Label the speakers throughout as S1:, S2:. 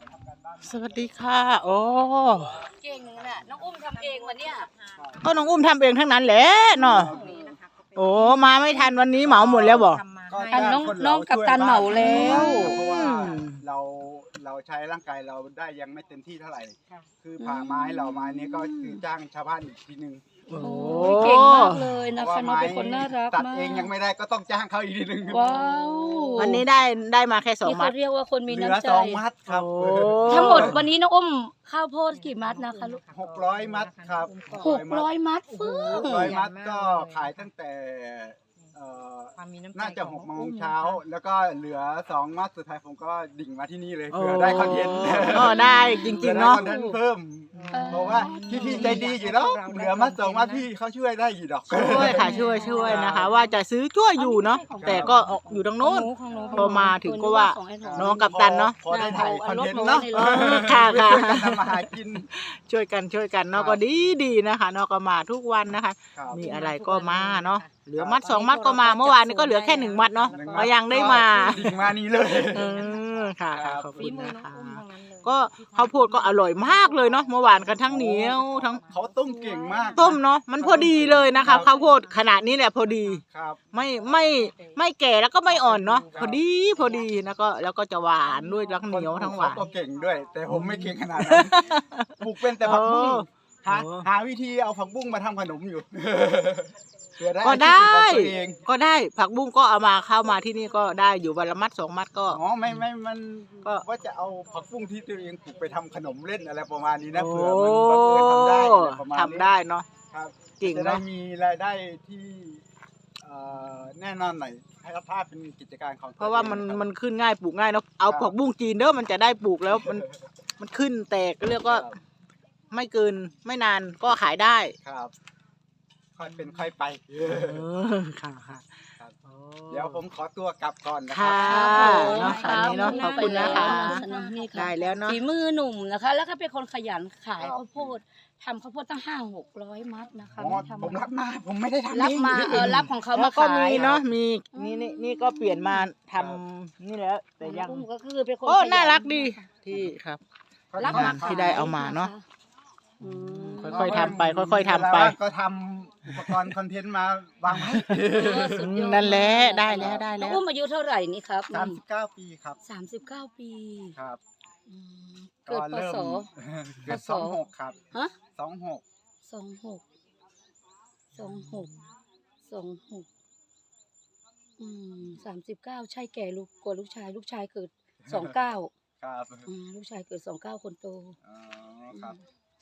S1: สวัสดีค่ะโอ้
S2: เก่งน่ะน้องอุ้มทำเองวันเนี้ย
S1: ก็น้องอุ้มทำเองทั้งนั้นแหละเนาะโอ้มาไม่ทันวันนี้เหมาหมดแล้วบอก
S2: อันน้องกับตันเหมาแล้ว
S3: เพราะว่าเราใช้ร่างกายเราได้ยังไม่เต็มที่เท่าไหร่คือผ่าไม้เราไม้นี้ก็คือจ้างชาวบ้านอีกทีนึง
S1: โอ้
S2: เก่งมากเลยนะคะน้องเป็นคนน่ารักมาก
S3: ตัดเองยังไม่ได้ก็ต้องจ้างเขาอีกทีนึง
S2: ว้าว
S1: วันนี้ได้มาแค่2 มัด
S2: เขาเรียกว่าคนมีน้ำใจ
S3: 2 มัดครับ
S2: ทั้งหมดวันนี้น้องอุ้มข้าวโพดกี่มัดนะคะลูก
S3: 600 มัดครับ
S2: 600 มัดฟึ่ง
S3: 600 มัดก็ขายตั้งแต่น่าจะ6 โมงเช้าแล้วก็เหลือ2 มัดสุดท้ายผมก็ดิ่งมาที่นี่เลยเพื่อได้คอนเทนต์
S1: ได้จริงๆเนาะ
S3: คอนเทนต์เพิ่มเพราะว่าพี่ใจดีอยู่แล้วเหลือมัด2 มัดพี่เขาช่วยได้อยู่ดอก
S1: ช่วยค่ะช่วยนะคะว่าจะซื้อช่วยอยู่เนาะแต่ก็อยู่ตรงโน้นพอมาถึงก็ว่าน้องกับตันเนาะ
S3: พอได้ถ่ายคอนเทนต์เนาะ
S1: ค่ะ
S3: ทำมาหากิน
S1: ช่วยกันเนาะก็ดีนะคะเนาะก็มาทุกวันนะคะมีอะไรก็มาเนาะเหลือมัด2 มัดก็มาเมื่อวานนี้ก็เหลือแค่1 มัดเนาะก็ยังได้มา
S3: นี่เลย
S1: ค่ะขอบคุณนะคะก็ข้าวโพดก็อร่อยมากเลยเนาะเมื่อวานกันทั้งเหนียวทั้ง
S3: เขาต้มเก่งมาก
S1: ต้มเนาะมันพอดีเลยนะคะข้าวโพดขนาดนี้แหละพอดีไม่แก่แล้วก็ไม่อ่อนเนาะพอดีแล้วก็จะหวานด้วยแล้วเหนียวทั้งหวาน
S3: ก็เก่งด้วยแต่ผมไม่เก่งขนาดนั้นปลูกเป็นแต่ผักบุ้งหาวิธีเอาผักบุ้งมาทำขนมอยู่
S1: ก็ได้ผักบุ้งก็เอามาเข้ามาที่นี่ก็ได้อยู่วันละมัด2 มัดก็
S3: ไม่มันก็ว่าจะเอาผักบุ้งที่ตัวเองปลูกไปทำขนมเล่นอะไรประมาณนี้นะเผื่อมันบังเอิญทำได้
S1: ทำได้เนาะ
S3: ครับจริงจะได้มีรายได้ที่แน่นอนหน่อยให้รับภาพเป็นกิจการของ
S1: เพราะว่ามันขึ้นง่ายปลูกง่ายเนาะเอาผักบุ้งจีนเด้อมันจะได้ปลูกแล้วมันขึ้นแตกเรียกว่าไม่เกินไม่นานก็ขายได้
S3: ครับค่อยเป็นค่อยไป
S1: ค่ะ
S3: เดี๋ยวผมขอตัวกลับก่อนนะ
S1: ค
S3: รับ
S1: เนาะค่ะนี้เนาะขอบคุณนะคะได้แล้วเนาะ
S2: ฝีมือหนุ่มนะคะแล้วก็เป็นคนขยันขายข้าวโพดทำข้าวโพดตั้ง500-600 มัดนะคะ
S3: ผมรับมาผมไม่ได้ทำ
S2: รับมารับของเขามา
S1: ก็มีเนาะมีนี่ก็เปลี่ยนมาทำนี่แล้วแต่ยัง
S2: ก็คือเป็นคน
S1: น่ารักดีที่ครับรับมาที่ได้เอามาเนาะค่อยๆทำไปค่อยๆทำไป
S3: ก็ทำอุปกรณ์คอนเทนต์มาวางไว้
S1: นั่นแหละได้แล้ว
S2: อุ้มอายุเท่าไหร่นี่ครับ
S3: 39 ปีครับ
S2: 39 ปี
S3: ครับ
S2: เกิดพศ
S3: เกิด26ครับ
S2: ฮะ26 39ใช่แก่กว่าลูกชายเกิด29
S3: ครับ
S2: ลูกชายเกิด29คนโต
S3: ครับ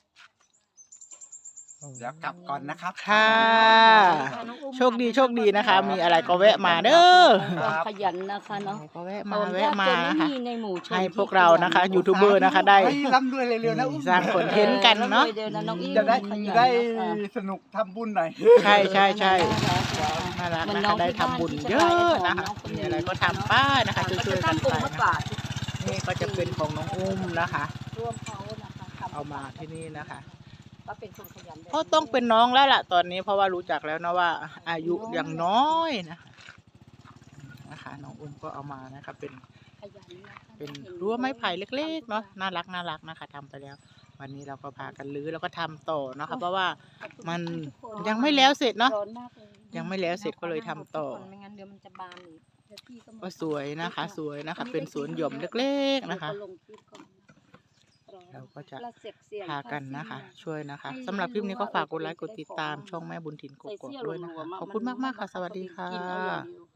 S3: เดี๋ยวกลับก่อนนะครับ
S1: ค่ะโชคดีนะคะมีอะไรก็แวะมาเด้อ
S2: ขยันนะคะเนาะ
S1: ก็แวะมานะคะให้พวกเรา
S3: นะ
S1: คะยูทูบเบอร์นะคะได้
S3: ร่ำรวยเร็วๆนะ
S1: สร้างคอนเทนต์กันเนาะ
S3: จะได้สนุกทำบุญหน่อย
S1: ใช่น่ารักนะคะได้ทำบุญเยอะนะคะมีอะไรก็ทำป้านะคะช่วยกันไปนี่ก็จะเป็นของน้องอุ้มนะคะเอามาที่นี่นะคะเพราะต้องเป็นน้องแล้วล่ะตอนนี้เพราะว่ารู้จักแล้วนะว่าอายุยังน้อยนะคะน้องอุ้มก็เอามานะคะเป็นรั้วไม้ไผ่เล็กๆเนาะน่ารักนะคะทำไปแล้ววันนี้เราก็พากันรื้อแล้วก็ทำต่อนะคะเพราะว่ามันยังไม่แล้วเสร็จเนาะยังไม่แล้วเสร็จก็เลยทำต่อก็สวยนะคะเป็นสวนหย่อมเล็กๆนะคะเราก็จะพากันนะคะช่วยนะคะสำหรับคลิปนี้ก็ฝากกดไลค์กดติดตามช่องแม่บุญถิ่นกกอกด้วยนะคะขอบคุณมากๆค่ะสวัสดีค่ะ